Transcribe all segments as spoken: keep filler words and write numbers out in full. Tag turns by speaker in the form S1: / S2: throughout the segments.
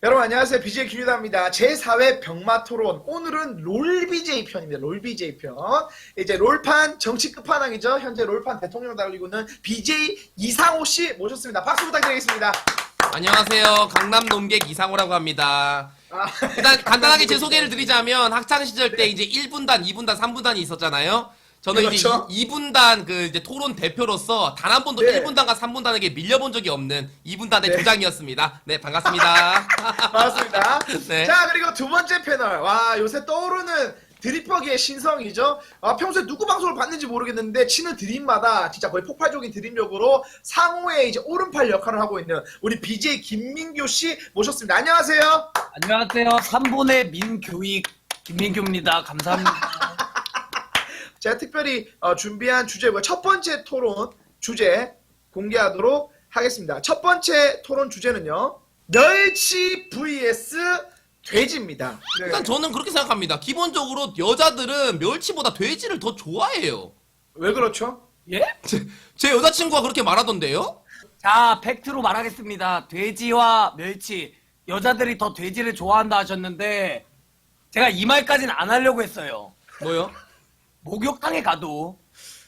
S1: 여러분 안녕하세요. 비제이 김유다입니다. 제사 회 병마 토론. 오늘은 롤 비제이 편입니다. 롤 비제이 편. 이제 롤판 정치 끝판왕이죠. 현재 롤판 대통령 달리고 있는 비제이 이상호 씨 모셨습니다. 박수 부탁드리겠습니다.
S2: 안녕하세요. 강남 농객 이상호라고 합니다.
S1: 아,
S2: 일단 간단하게 제 소개를 드리자면 학창 시절 때 이제 일 분단, 이 분단, 삼 분단이 있었잖아요. 저는
S1: 그렇죠.
S2: 이제 이 분단 그 이제 토론 대표로서 단 한 번도
S1: 네.
S2: 일 분단과 삼 분단에게 밀려본 적이 없는 이 분단의
S1: 네.
S2: 조장이었습니다. 네, 반갑습니다.
S1: 반갑습니다.
S2: 네.
S1: 자, 그리고 두 번째 패널. 와, 요새 떠오르는 드립버기의 신성이죠. 아, 평소에 누구 방송을 봤는지 모르겠는데 치는 드립마다 진짜 거의 폭발적인 드립력으로 상호의 이제 오른팔 역할을 하고 있는 우리 비제이 김민교 씨 모셨습니다. 안녕하세요.
S3: 안녕하세요. 삼 분의 민교익 김민규입니다. 감사합니다.
S1: 제가 특별히 어, 준비한 주제고요. 첫 번째 토론 주제 공개하도록 하겠습니다. 첫 번째 토론 주제는요. 멸치 vs 돼지입니다. 네.
S2: 일단 저는 그렇게 생각합니다. 기본적으로 여자들은 멸치보다 돼지를 더 좋아해요.
S1: 왜 그렇죠?
S3: 예?
S2: 제, 제 여자친구가 그렇게 말하던데요?
S3: 자, 팩트로 말하겠습니다. 돼지와 멸치. 여자들이 더 돼지를 좋아한다 하셨는데 제가 이 말까지는 안 하려고 했어요.
S2: 뭐요?
S3: 목욕탕에 가도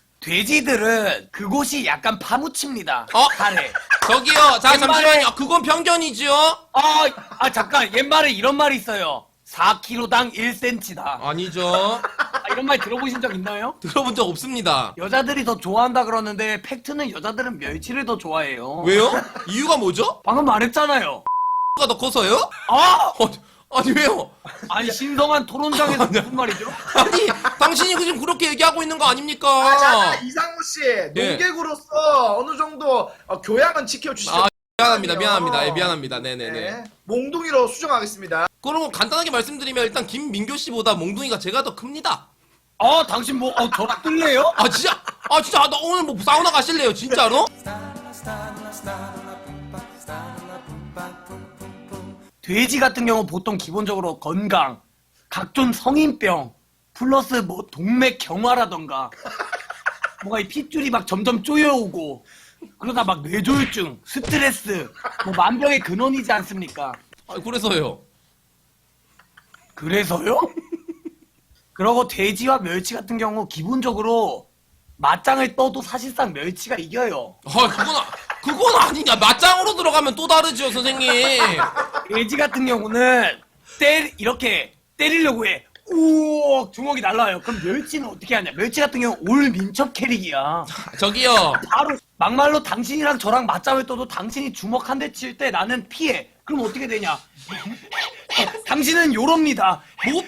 S3: 돼지들은 그곳이 약간 파묻힙니다.
S2: 어?
S3: 살에.
S2: 저기요, 자,
S3: 옛말에-
S2: 잠시만요. 그건 편견이죠?
S3: 아, 아 잠깐. 옛말에 이런 말이 있어요. 사 킬로당 일 센티미터다.
S2: 아니죠.
S3: 아, 이런 말 들어보신 적 있나요?
S2: 들어본 적 없습니다.
S3: 여자들이 더 좋아한다 그러는데 팩트는 여자들은 멸치를 더 좋아해요.
S2: 왜요? 이유가 뭐죠?
S3: 방금 말했잖아요.
S2: X가 더 커서요?
S3: 아!
S2: 어, 아니 왜요?
S3: 아니 신성한 토론장에서 무슨 말이죠?
S2: 아니 당신이 지금 그렇게 얘기하고 있는 거 아닙니까?
S1: 아, 자, 이상호 씨
S2: 네.
S1: 농객으로서 어느 정도 어, 교양은 지켜주시죠.
S2: 아 미안합니다 미안합니다 예, 미안합니다 네네네.
S1: 네. 몽둥이로 수정하겠습니다.
S2: 그럼 간단하게 말씀드리면 일단 김민교 씨보다 몽둥이가 제가 더 큽니다.
S3: 아 당신 뭐 어, 저랑 뜰래요?
S2: 아 진짜 아 진짜 아, 나 오늘 뭐 사우나 가실래요 진짜로?
S3: 돼지 같은 경우 보통 기본적으로 건강, 각종 성인병, 플러스 뭐 동맥 경화라던가 뭔가 이 핏줄이 막 점점 쪼여오고 그러다 막 뇌졸중, 스트레스, 뭐 만병의 근원이지 않습니까?
S2: 아 그래서요.
S3: 그래서요? 그러고 돼지와 멸치 같은 경우 기본적으로 맞짱을 떠도 사실상 멸치가 이겨요.
S2: 아 그건 아- 그건 아니냐 맞짱으로 들어가면 또 다르죠 선생님.
S3: 돼지 같은 경우는 때 이렇게 때리려고 해. 우억 주먹이 날라와요. 그럼 멸치는 어떻게 하냐? 멸치 같은 경우 올 민첩 캐릭이야.
S2: 저기요
S3: 바로 막말로 당신이랑 저랑 맞짱을 떠도 당신이 주먹 한 대 칠 때 나는 피해. 그럼 어떻게 되냐? 당신은 요럽니다.
S2: 뭐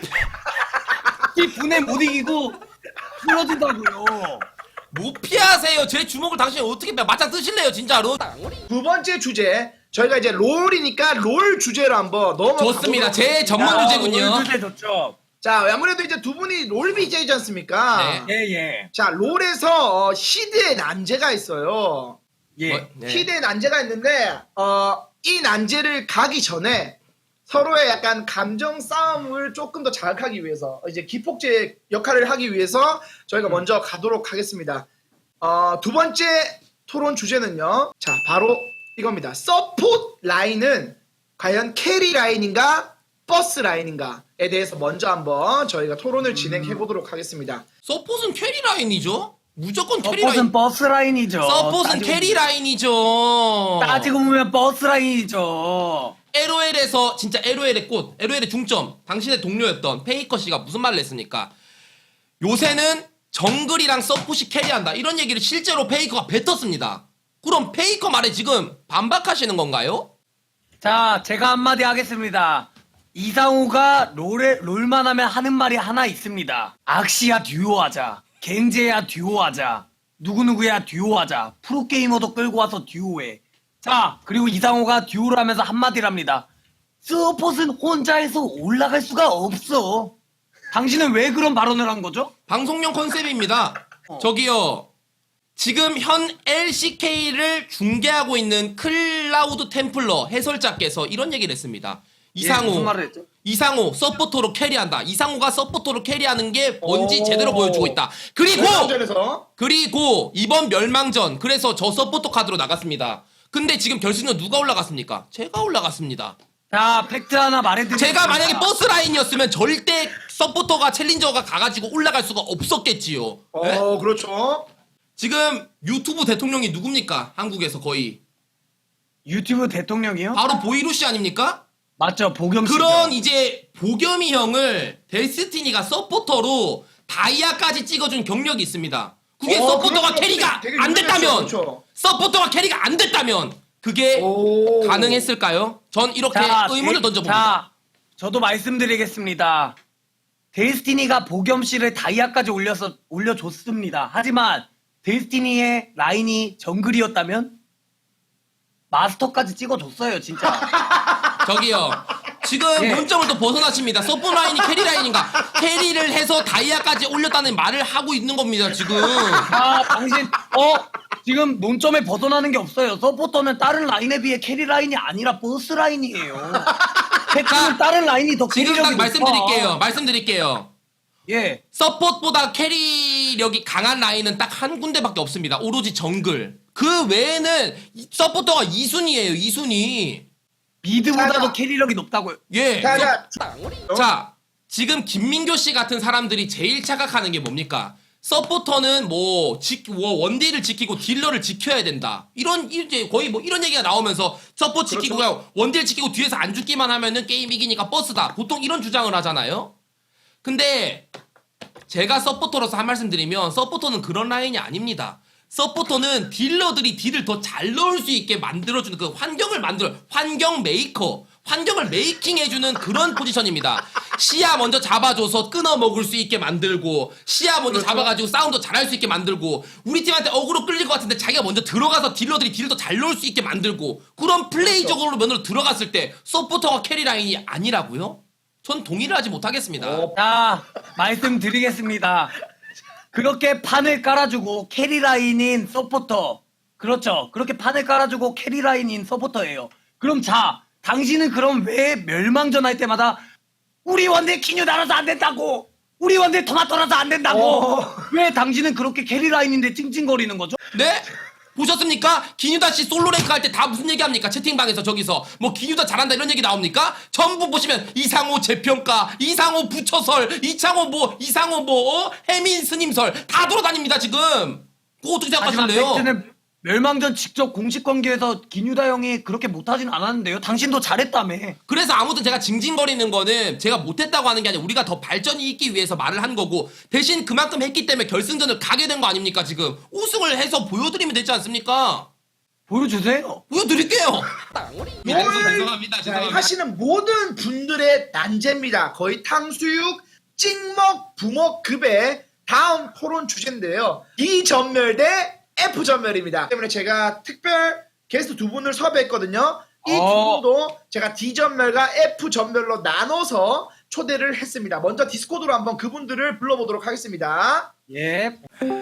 S3: 이 분에 못 이기고 쓰러진다고요.
S2: 뭐 피하세요. 제 주먹을 당신이 어떻게 빼- 맞짱 뜨실래요 진짜로?
S1: 두 번째 주제 저희가 이제 롤이니까 롤 주제로 한번 넘어가.
S2: 좋습니다. 제 전문 주제군요.
S3: 오늘 주제 좋죠.
S1: 자, 아무래도 이제 두 분이 롤 비제이지 않습니까?
S2: 네.
S3: 예 예.
S1: 자, 롤에서 어, 시드의 난제가 있어요.
S3: 예.
S2: 뭐, 네.
S1: 시드의 난제가 있는데 어, 이 난제를 가기 전에 서로의 약간 감정 싸움을 조금 더 자극하기 위해서 이제 기폭제 역할을 하기 위해서 저희가 먼저 가도록 하겠습니다. 어, 두 번째 토론 주제는요. 자, 바로 이겁니다. 서포트 라인은 과연 캐리 라인인가 버스 라인인가에 대해서 먼저 한번 저희가 토론을 진행해 보도록 하겠습니다.
S2: 서폿은 캐리 라인이죠? 무조건 캐리 라인.
S3: 서폿은 버스 라인이죠.
S2: 서폿은
S3: 따지고
S2: 캐리 라인이죠.
S3: 따지고 보면 버스 라인이죠.
S2: 엘오엘에서 진짜 엘오엘의 꽃, 엘오엘의 중점, 당신의 동료였던 페이커 씨가 무슨 말을 했습니까? 요새는 정글이랑 서폿이 캐리한다. 이런 얘기를 실제로 페이커가 뱉었습니다. 그럼 페이커 말에 지금 반박하시는 건가요?
S3: 자, 제가 한마디 하겠습니다. 이상우가 롤에, 롤만 하면 하는 말이 하나 있습니다. 악시야 듀오하자. 겐제야 듀오하자. 누구누구야 듀오하자. 프로게이머도 끌고 와서 듀오해. 자, 그리고 이상호가 듀오를 하면서 한마디를 합니다. 서폿은 혼자해서 올라갈 수가 없어. 당신은 왜 그런 발언을 한 거죠?
S2: 방송용 컨셉입니다.
S3: 어.
S2: 저기요. 지금 현 엘씨케이를 중계하고 있는 클라우드 템플러 해설자께서 이런 얘기를 했습니다.
S3: 예,
S2: 이상호,
S3: 무슨 말을 했죠?
S2: 이상호 서포터로 캐리한다. 이상호가 서포터로 캐리하는 게 뭔지
S1: 오.
S2: 제대로 보여주고 있다. 그리고
S1: 멸망전에서
S2: 그리고 이번 멸망전 그래서 저 서포터 카드로 나갔습니다. 근데 지금 결승전 누가 올라갔습니까? 제가 올라갔습니다.
S3: 자, 팩트 하나 말해드릴게요.
S2: 제가 만약에 버스 라인이었으면 절대 서포터가 챌린저가 가가지고 올라갈 수가 없었겠지요. 네?
S1: 어, 그렇죠.
S2: 지금 유튜브 대통령이 누굽니까? 한국에서 거의
S3: 유튜브 대통령이요?
S2: 바로 보이루시 아닙니까?
S3: 맞죠, 보겸 씨.
S2: 그런 이제 보겸이 형을 데스티니가 서포터로 다이아까지 찍어준 경력이 있습니다. 그게
S1: 어,
S2: 서포터가
S1: 그렇죠.
S2: 캐리가
S1: 되게
S2: 안 됐다면
S1: 그렇죠.
S2: 서포터가 캐리가 안 됐다면 그게
S1: 오.
S2: 가능했을까요? 전 이렇게 의문을
S3: 데-
S2: 던져봅니다.
S3: 자, 저도 말씀드리겠습니다. 데스티니가 보겸 씨를 다이아까지 올려서 올려줬습니다. 하지만 데스티니의 라인이 정글이었다면 마스터까지 찍어줬어요, 진짜.
S2: 저기요. 지금
S3: 예.
S2: 논점을 또 벗어나십니다. 서포 라인이 캐리 라인인가? 캐리를 해서 다이아까지 올렸다는 말을 하고 있는 겁니다, 지금.
S3: 아, 당신, 어? 지금 논점에 벗어나는 게 없어요. 서포터는 다른 라인에 비해 캐리 라인이 아니라 버스 라인이에요. 팩트는 다른 라인이 더
S2: 지금
S3: 캐리력이
S2: 딱 말씀드릴게요.
S3: 높아.
S2: 말씀드릴게요.
S3: 예.
S2: 서폿보다 캐리력이 강한 라인은 딱 한 군데밖에 없습니다. 오로지 정글. 그 외에는 이- 서포터가 이 순위예요. 이 순위.
S3: 미드보다도
S1: 자,
S3: 캐리력이 높다고요.
S2: 예.
S1: 자, 자,
S2: 자, 지금 김민교 씨 같은 사람들이 제일 착각하는 게 뭡니까? 서포터는 뭐, 지, 뭐 원딜을 지키고 딜러를 지켜야 된다. 이런 이제 거의 뭐 이런 얘기가 나오면서 서포 지키고
S1: 그렇죠.
S2: 그냥 원딜 지키고 뒤에서 안 죽기만 하면은 게임 이기니까 버스다. 보통 이런 주장을 하잖아요. 근데 제가 서포터로서 한 말씀 드리면 서포터는 그런 라인이 아닙니다. 서포터는 딜러들이 딜을 더 잘 넣을 수 있게 만들어주는 그 환경을 만들어 환경 메이커 환경을 메이킹해주는 그런 포지션입니다. 시야 먼저 잡아줘서 끊어 먹을 수 있게 만들고 시야 먼저
S1: 그렇죠.
S2: 잡아가지고 싸움도 잘할 수 있게 만들고 우리 팀한테 어그로 끌릴 것 같은데 자기가 먼저 들어가서 딜러들이 딜을 더 잘 넣을 수 있게 만들고 그런 플레이적으로 면으로 들어갔을 때 서포터가 캐리 라인이 아니라고요? 전 동의를 하지 못하겠습니다.
S1: 어,
S3: 자, 말씀드리겠습니다. 그렇게 판을 깔아주고 캐리 라인인 서포터. 그렇죠. 그렇게 판을 깔아주고 캐리 라인인 서포터예요. 그럼 자, 당신은 그럼 왜 멸망전 할 때마다 우리 원딜 키뉴 달아서 안 된다고! 우리 원딜 토마토라서 안 된다고!
S1: 어.
S3: 왜 당신은 그렇게 캐리 라인인데 찡찡거리는 거죠?
S2: 네? 보셨습니까? 기뉴다 씨 솔로 랭크 할 때 다 무슨 얘기 합니까? 채팅방에서 저기서 뭐 기뉴다 잘한다 이런 얘기 나옵니까? 전부 보시면 이상호 재평가, 이상호 부처설, 이창호 뭐 이상호 뭐 어? 해민 스님설 다 돌아다닙니다 지금. 그거 어떻게
S3: 하지만
S2: 생각하실래요?
S3: 팩트는 멸망전 직접 공식 관계에서 기뉴다 형이 그렇게 못하진 않았는데요. 당신도 잘했다며.
S2: 그래서 아무튼 제가 징징거리는 거는 제가 못했다고 하는 게 아니라 우리가 더 발전이 있기 위해서 말을 한 거고 대신 그만큼 했기 때문에 결승전을 가게 된 거 아닙니까 지금. 우승을 해서 보여드리면 되지 않습니까?
S3: 보여주세요.
S2: 보여드릴게요.
S1: 뭘
S2: 죄송합니다.
S1: 자,
S2: 죄송합니다.
S1: 하시는 모든 분들의 난제입니다. 거의 탕수육, 찍먹, 부먹급의 다음 토론 주제인데요. D 전멸 대 F 전멸입니다. 때문에 제가 특별 게스트 두 분을 섭외했거든요. 이 두
S3: 어.
S1: 분도 제가 D 전멸과 F 전멸로 나눠서 초대를 했습니다. 먼저 디스코드로 한번 그분들을 불러보도록 하겠습니다.
S3: 예.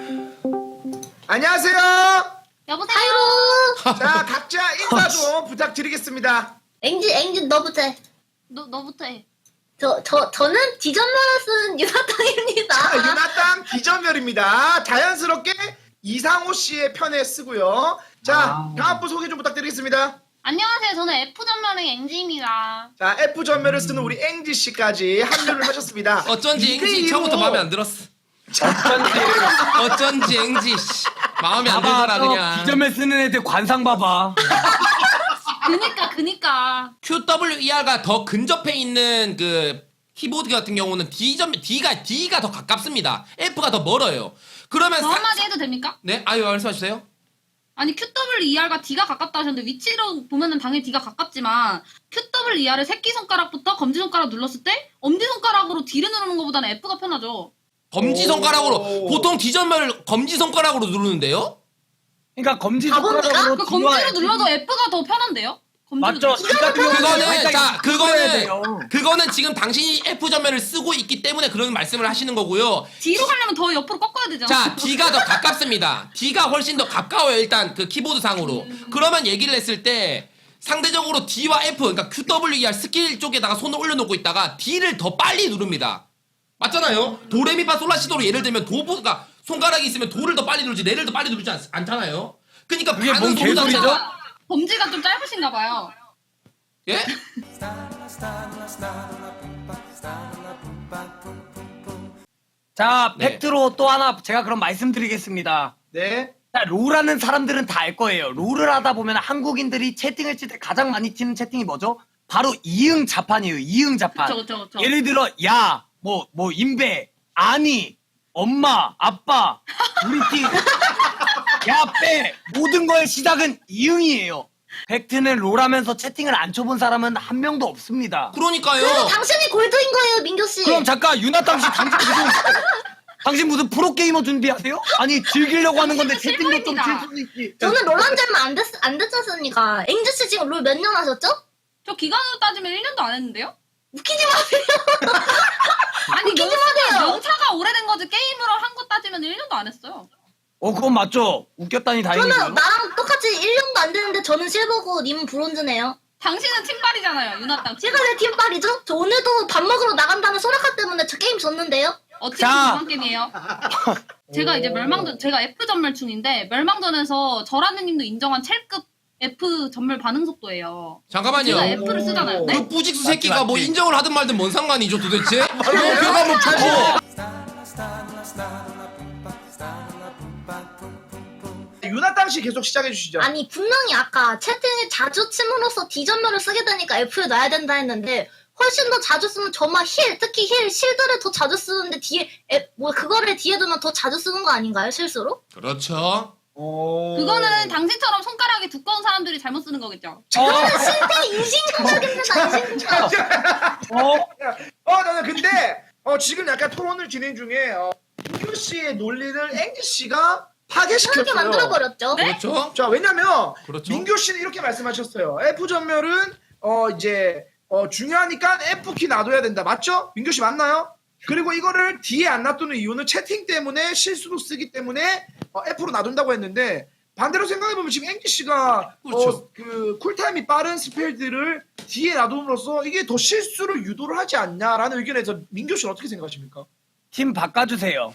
S1: 안녕하세요.
S4: 여보세요.
S1: 자, 각자 인사 좀 부탁드리겠습니다.
S4: 앵지 앵지 너부터 해. 너 너부터 해. 저 저 저는 디전멸을 쓴 유나땅입니다.
S1: 자, 유나땅 D 전멸입니다. 자연스럽게 이상호 씨의 편에 쓰고요. 자,
S3: 아.
S1: 다음 분 소개 좀 부탁드리겠습니다.
S4: 안녕하세요. 저는 F 전멸의 앵지입니다.
S1: 자, F 전멸을 쓰는 우리 앵지 씨까지 합류를 하셨습니다.
S2: 어쩐지
S1: 이대
S2: 앵지
S1: 이로
S2: 처음부터 마음에 안 들었어.
S3: 어쩐지.
S2: 어쩐지 앵지 씨. 마음에 안 들더라
S3: 봐봐,
S2: 그냥.
S3: 디점에 쓰는 애들 관상 봐봐.
S4: 그니까 그니까.
S2: 큐더블유이알가 더 근접해 있는 그 키보드 같은 경우는 D 점 D가 D가 더 가깝습니다. F가 더 멀어요. 그러면
S4: 저
S2: 사-
S4: 한마디 해도 됩니까?
S2: 네, 아유 말씀해 주세요.
S4: 아니 큐더블유이알과 D가 가깝다 하셨는데 위치로 보면은 당연히 D가 가깝지만 큐더블유이알을 새끼손가락부터 검지손가락 눌렀을 때 엄지손가락으로 D를 누르는 것보다는 F가 편하죠.
S2: 검지
S1: 오.
S2: 손가락으로 보통 D 점멸 검지 손가락으로 누르는데요?
S3: 그러니까 검지
S4: 가봅니까?
S3: 손가락으로
S4: 그
S3: 뒤와
S4: 검지로 눌러도 F가 더 편한데요? 검지로
S3: 맞죠?
S4: 눌러도.
S3: D가
S2: 그거는 자 그거는
S3: 돼요.
S2: 그거는 지금 당신이 F 점멸을 쓰고 있기 때문에 그런 말씀을 하시는 거고요.
S4: 뒤로 가려면 더 옆으로 꺾어야 되잖아.
S2: 자, D가 더 가깝습니다. D가 훨씬 더 가까워요, 일단 그 키보드 상으로. 그러면 얘기를 했을 때 상대적으로 D와 F, 그러니까 큐더블유이알 스킬 쪽에다가 손을 올려놓고 있다가 D를 더 빨리 누릅니다. 맞잖아요? 도레미파 솔라시도로 예를 들면 도보가 손가락이 있으면 도를 더 빨리 누르지 레를 더 빨리 누르지 않, 않잖아요? 그러니까
S3: 그게
S2: 반응
S3: 뭔
S2: 속도
S3: 개소리죠?
S2: 자체가
S4: 범지가 좀 짧으신가 봐요.
S2: 예?
S3: 자,
S2: 네.
S3: 팩트로 또 하나 제가 그럼 말씀드리겠습니다.
S1: 네.
S3: 자, 롤하는 사람들은 다 알 거예요. 롤을 하다 보면 한국인들이 채팅을 칠 때 가장 많이 치는 채팅이 뭐죠? 바로 이응 자판이에요. 이응 자판.
S4: 그쵸, 그쵸, 그쵸.
S3: 예를 들어 야, 뭐, 뭐 인베, 아니, 엄마, 아빠, 우리 팀, 야, 빼. 모든 거의 시작은 이응이에요. 팩트는 롤하면서 채팅을 안 쳐본 사람은 한 명도 없습니다.
S2: 그러니까요.
S5: 당신이 골드인 거예요, 민규 씨.
S3: 그럼 잠깐 유나땅 씨 당신 무슨 당신 무슨 프로게이머 준비하세요? 아니 즐기려고 하는 건데
S4: 당신은
S3: 채팅도 좀 칠
S4: 실버입니다.
S3: 수도 있지.
S5: 저는 롤한 지 얼마 안, 됐, 안 됐었으니까. 앵주 씨 지금 롤 몇 년 하셨죠?
S4: 저 기간으로 따지면 일 년도 안 했는데요?
S5: 웃기지 마세요.
S4: 아니,
S5: 웃기지
S4: 명차가,
S5: 마세요.
S4: 명차가 오래된 거지 게임으로 한 거 따지면 일 년도 안 했어요.
S3: 어 그건 맞죠. 웃겼다니 다행이고요.
S5: 저는 나랑 똑같이 일 년도 안 됐는데 저는 실버고 님은 브론즈네요.
S4: 당신은 팀발이잖아요, 유나땅.
S5: 제가 왜 팀빨이죠? 저 오늘도 밥 먹으러 나간 다음에 소라카 때문에 저 게임 졌는데요?
S4: 어떻게
S3: 자.
S4: 그만 게임이에요? 제가 이제 멸망전, 제가 F 전멸충인데 멸망전에서 저라느님도 인정한 첼급 F 전멸 반응 속도예요.
S2: 잠깐만요.
S4: 제가 F를 쓰잖아요. 네?
S2: 그 뿌직수
S3: 맞지,
S2: 새끼가 뭐
S3: 맞지.
S2: 인정을 하든 말든 뭔 상관이죠 도대체? 뭐 배가 뭐 붙고.
S1: 유나땅 씨 계속 시작해 주시죠.
S5: 아니 분명히 아까 채팅을 자주 침으로써 D전멸을 쓰게 되니까 F에 놔야 된다 했는데 훨씬 더 자주 쓰면 저만 힐, 특히 힐, 실드를 더 자주 쓰는데 뒤에 에, 뭐 그거를 뒤에 두면 더 자주 쓰는 거 아닌가요, 실수로?
S2: 그렇죠.
S1: 오.
S4: 그거는 당신처럼 손가락이 두꺼운 사람들이 잘못 쓰는 거겠죠.
S3: 어,
S5: 실패 인신공격입니다, 인신공격.
S3: 어,
S1: 어, 나는 근데 어, 지금 약간 토론을 진행 중에 어, 민규 씨의 논리를 앵지 씨가
S5: 그렇게
S1: 파괴시켰어요.
S5: 만들어버렸죠.
S2: 그렇죠.
S1: 자, 왜냐면
S2: 그렇죠.
S1: 민규 씨는 이렇게 말씀하셨어요. F 전멸은 어 이제 어 중요하니까 F 키 놔둬야 된다. 맞죠? 민규 씨 맞나요? 그리고 이거를 뒤에 안 놔두는 이유는 채팅 때문에 실수로 쓰기 때문에 어, F로 놔둔다고 했는데 반대로 생각해보면 지금 앵지 씨가
S2: 그렇죠.
S1: 어, 그 쿨타임이 빠른 스펠들을 뒤에 놔둠으로써 이게 더 실수를 유도를 하지 않냐라는 의견에서 민규 씨는 어떻게 생각하십니까?
S3: 팀 바꿔주세요.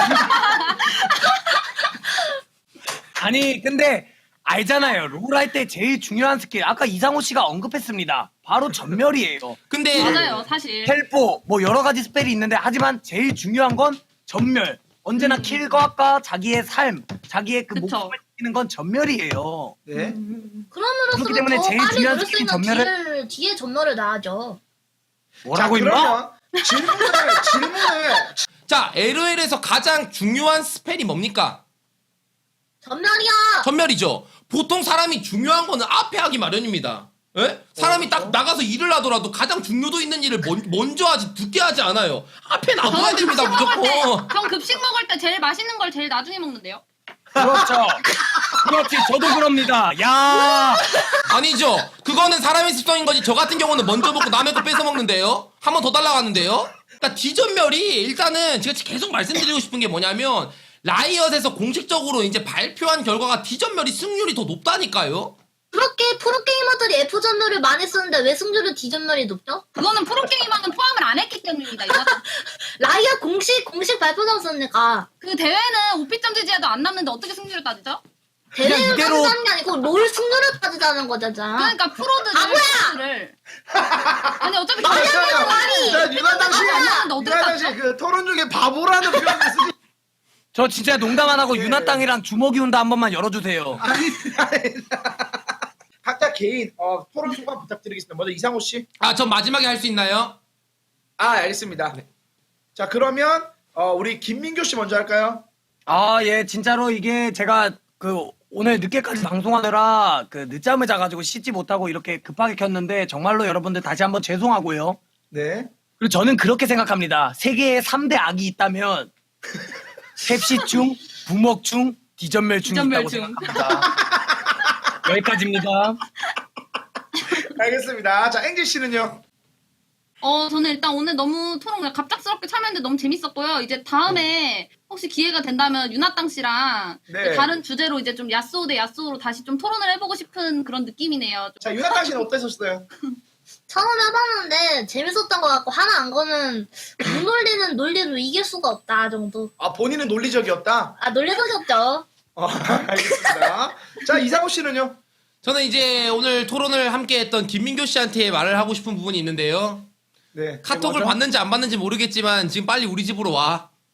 S3: 아니 근데 알잖아요. 롤 할 때 제일 중요한 스킬 아까 이상호 씨가 언급했습니다. 바로 전멸이에요.
S2: 근데
S4: 맞아요, 사실.
S3: 텔포 뭐 여러 가지 스펠이 있는데 하지만 제일 중요한 건 전멸. 언제나 킬각과 자기의 삶, 자기의 그
S4: 그쵸.
S3: 목숨을 지키는 건 전멸이에요.
S1: 네.
S5: 그럼으로써
S3: 그렇기 때문에
S5: 더
S3: 제일
S5: 빨리
S3: 중요한
S5: 누를 수
S3: 스킬인
S5: 있는
S3: 전멸을-
S5: 뒤를, 뒤에 전멸을 놔야죠.
S3: 뭐라고
S1: 자,
S3: 임마?
S1: 그러면 질문을 질문을
S2: 자 엘오엘에서 가장 중요한 스펠이 뭡니까?
S5: 전멸이야.
S2: 전멸이죠. 보통 사람이 중요한 거는 앞에 하기 마련입니다. 예? 사람이 딱 나가서 일을 하더라도 가장 중요도 있는 일을 먼, 먼저 하지 늦게 하지 않아요. 앞에 놔둬야
S4: 저는
S2: 됩니다
S4: 급식 먹을 때,
S2: 무조건.
S4: 전 급식 먹을 때 제일 맛있는 걸 제일 나중에 먹는데요.
S3: 그렇죠. 그렇지. 저도 그럽니다. 야.
S2: 아니죠. 그거는 사람의 습성인 거지. 저 같은 경우는 먼저 먹고 남의 거 뺏어 먹는데요. 한 번 더 달라갔는데요. 그러니까 D전멸이 일단은 제가 계속 말씀드리고 싶은 게 뭐냐면 라이엇에서 공식적으로 이제 발표한 결과가 D전멸이 승률이 더 높다니까요.
S5: 그렇게 프로게이머들이 F 전멸을 많이 쓰는데 왜 승률은 D 전멸이 높죠?
S4: 그거는 프로게이머는 포함을 안 했기 때문입니다. 유나땅.
S5: 라이어 공식 공식 발표장서니까
S4: 그 대회는 오피점 지지에도 안 남는데 어떻게 승률을 따지죠?
S3: 그냥
S5: 대회를
S3: 이대로-
S5: 따지자는 게 아니고 롤 승률을 따지자는 거잖아.
S4: 그러니까 프로들은
S5: 아, 뭐야!
S4: 승률을 아니 어차피
S5: 말이 안
S4: 결승에서
S5: 되는 말이!
S1: 자, 유나땅 씨,
S4: 안 나는데 어떻게
S1: 유나땅
S4: 따져?
S1: 씨그 토론 중에 바보라는 표현을 쓰지.
S3: 저 진짜 농담 안 하고
S1: 네.
S3: 유나 땅이랑 주먹이 온다 한 번만 열어주세요.
S1: 아니, 아니. 각자 개인 어, 토론 소감 부탁드리겠습니다. 먼저 이상호 씨.
S2: 아, 전 마지막에 할 수 있나요?
S1: 아, 알겠습니다. 자, 그러면 어, 우리 김민규 씨 먼저 할까요?
S3: 아, 예, 진짜로 이게 제가 그 오늘 늦게까지 방송하느라 그 늦잠을 자가지고 씻지 못하고 이렇게 급하게 켰는데 정말로 여러분들 다시 한번 죄송하고요.
S1: 네.
S3: 그리고 저는 그렇게 생각합니다. 세계에 삼 대 악이 있다면 sep시충, 부먹충, 디전멸충이 있다고
S4: 디전멸충.
S3: 생각합니다. 여기까지입니다.
S1: 알겠습니다. 자, 앵지 씨는요?
S4: 어 저는 일단 오늘 너무 토론 그냥 갑작스럽게 참여했는데 너무 재밌었고요. 이제 다음에 혹시 기회가 된다면 유나땅 씨랑
S1: 네.
S4: 다른 주제로 이제 좀 야스오 대 야스오로 다시 좀 토론을 해보고 싶은 그런 느낌이네요.
S1: 자, 유나땅 씨는 어떠셨어요?
S5: 처음 해봤는데 재밌었던 것 같고 하나 안 거는 못 놀리는 논리로 이길 수가 없다 정도.
S1: 아, 본인은 논리적이었다?
S5: 아 논리적이었죠.
S1: 어, 알겠습니다. 자, 이상호 씨는요?
S2: 저는 이제 오늘 토론을 함께했던 김민교 씨한테 말을 하고 싶은 부분이 있는데요.
S1: 네.
S2: 카톡을
S1: 뭐죠?
S2: 받는지 안 받는지 모르겠지만 지금 빨리 우리 집으로 와.